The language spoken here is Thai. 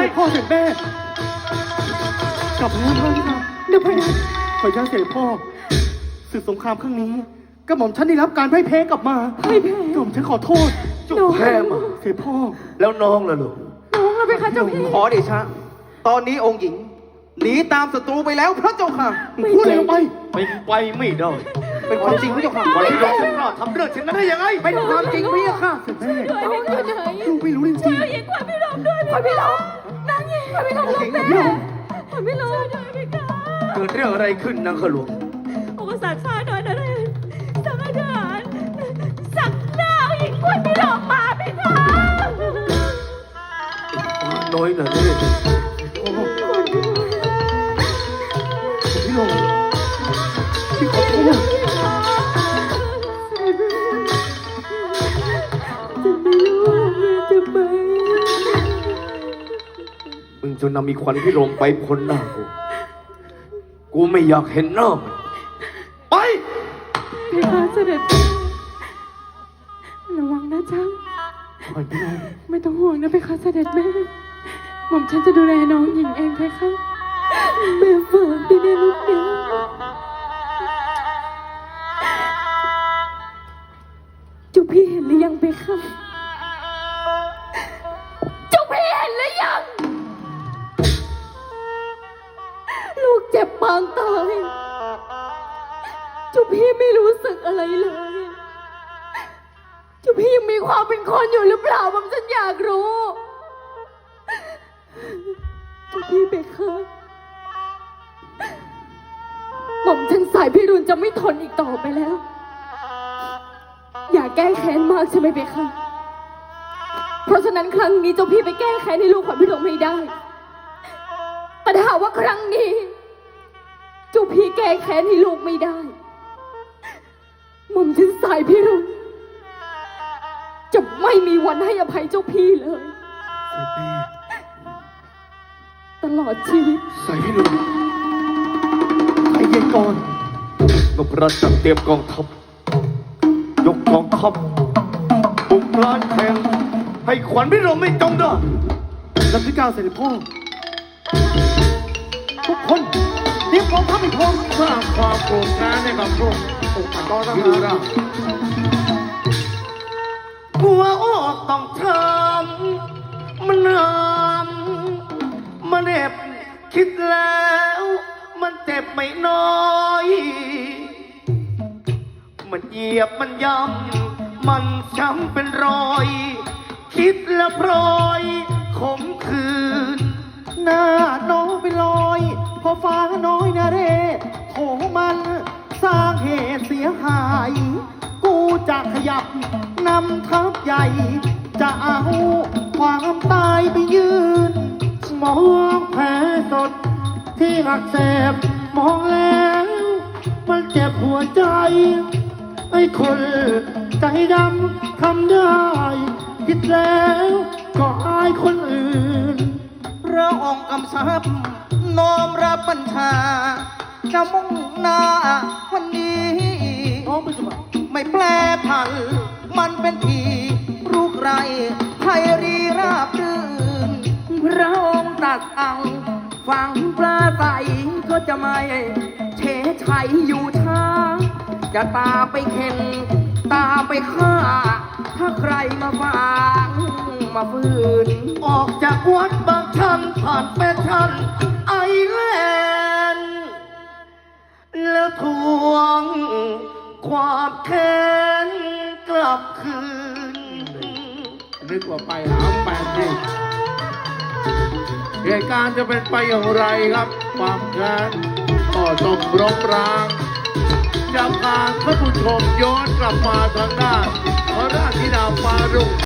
พ่อเสด็จแม่กลับแล้วพ่อครับเดี๋ยวไปนะขออนุญาตเสด็จพ่อศึกสงครามครั้งนี้กระหม่อมฉันได้รับการพ่ายแพ้กลับมาพ่ายแพ้กระหม่อมฉันขอโทษจุกแพ้มาเสด็จพ่อแล้วน้องล่ะลูกน้องเราไปค่ะเจ้าพี่ขอเดชะตอนนี้องค์หญิงหนีตามศัตรูไปแล้วพระเจ้าค่ะพูดอะไรไปเป็นไปไม่ได้เป็นความจริงพระเจ้าค่ะขอให้ยอมฉันกล้าทำเรื่องเช่นนั้นได้ยังไงเป็นความจริงพระเจ้าค่ะแม่ลูกไม่รู้จริงๆหญิงขวัญพี่ลมด้วยขวัญพี่ลมนางหญิงขวัญพี่ลมลูกแม่ขวัญพี่ลมด้วยพี่ค่ะเกิดเรื่องอะไรขึ้นนางขลุ่มองค์สั่งข้าหน่อยนะเลยสั่งให้ทหารสั่งหน้าหญิงขวัญพี่ลมมาพี่ค่ะน้อยนะเนี่ยพี่ลงพี่ขอโทษมึงจนนำมีควันพี่ลมไปพ้นหน้ากูไม่อยากเห็นหน้ามันไปพี่คะเสด็จระวังนะจ๊ะไม่ต้องห่วงนะพี่คะเสด็จแม่หม่อมฉันจะดูแลน้องหญิงเองเพคะแม่ฝากด้วยนะลูกนะจุ๊บพี่เห็นหรือยังเพคะจุ๊บพี่เห็นหรือยังลูกเจ็บปางตายจุ๊บพี่ไม่รู้สึกอะไรเลยจุ๊บพี่ยังมีความเป็นคนอยู่หรือเปล่าผมฉันอยากรู้จุ๊บพี่เบคเกอร์หม่อมฉันสายพี่รุนจะไม่ทนอีกต่อไปแล้วอย่าแก้แค้นมากใช่ไหมเบคเกอร์เพราะฉะนั้นครั้งนี้เจ้าพี่ไปแก้แค้นให้ลูกขวัญพี่หลงไม่ได้แต่ถ้าว่าครั้งนี้เจ้าพี่แก้แค้นให้ลูกไม่ได้หม่อมฉันสายพี่รุนจะไม่มีวันให้อภัยเจ้าพี่เลยตลอดชีวิตใส่พี่ลุงใจเย็นก่อนนพรัตน์จัดเตรียมกองทัพยกกองทัพบุกล้านแข่งให้ขวัญพี่ลมไม่จงได้รับที่9เสด็จพ่อทุกคนเตรียมกองทัพให้พร้อมสร้างความโกรธแค้นให้กับพวกต่อทหารหัวอกต้องทำมันนำมันเจ็บคิดแล้วมันเจ็บไม่น้อยมันเหยียบมันย้ำมันช้ำเป็นรอยคิดแล้วพลอยขมขื่นหน้าน้องเป็นรอยพอฟ้าน้อยนาเรโถมันสร้างเหตุเสียหายกูจะขยับนำทัพใหญ่จะเอาความตายไปยืนมองแผลสดที่อักเสบมองแล้วมันเจ็บหัวใจไอ้คนใจดำทำได้คิดแล้วก็อายคนอื่นพระองค์กำชับน้อมรับบัญชาจะมุ่งหน้าวันนี้ไม่แปรผันมันเป็นทีรูปไรไพรีราบรื่นพระองค์ตรัสเอาฟังปลาใสก็จะไม่เฉยชัยอยู่ช้าจะตาไปเข็นตาไปฆ่าถ้าใครมาฟังมาฝืนออกจากวัดบางชันผ่านแฟชั่นไอแลนด์แล้วทวงความแค้นกลับคืนนึกว่าไปหาแฟนดิเหตุการณ์จะเป็นไปอย่างไรครับความแค้นก็ต้องรบรางจะพาท่านผู้ชมย้อนกลับมาทางด้านพระราชธิดาฟ้ารุ่ง